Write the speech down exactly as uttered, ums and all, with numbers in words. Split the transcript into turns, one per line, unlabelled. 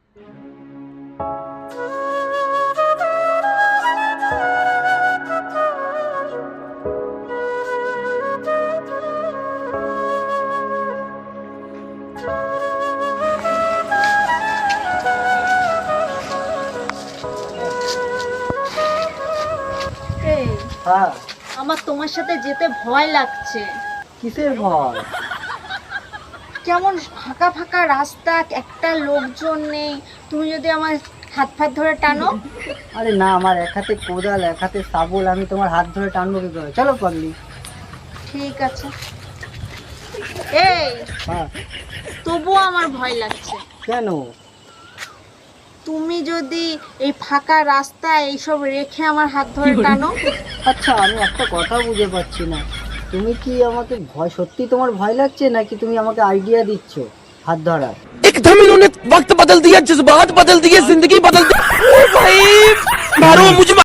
হ্যাঁ,
আমার তোমার সাথে যেতে ভয় লাগছে।
কিসের ভয়?
কেমন ফাঁকা ফাঁকা রাস্তা, একটা লোকজন নেই, তুমি যদি আমার হাত ফাত ধরে টানো।
আরে না, আমার এক হাতে কোদাল এক হাতে শাবল, আমি তোমার হাত ধরে টানবো কি করে? চলো পাগলি।
ঠিক আছে। এই
হ্যাঁ,
তবুও আমার ভয় লাগছে।
কেন?
তুমি যদি এই ফাঁকা রাস্তায় এইসব রেখে আমার হাত ধরে টানো।
আচ্ছা, আমি একটা কথা বুঝে পাচ্ছি না, তুমি কি আমাকে ভয়, সত্যি তোমার ভয় লাগছে নাকি তুমি আমাকে আইডিয়া দিচ্ছ হাত ধরার?
एकदम इन्होंने वक्त बदल दिया, जज्बात बदल दिए, जिंदगी बदल दी। ओ भाई मारो मुझे।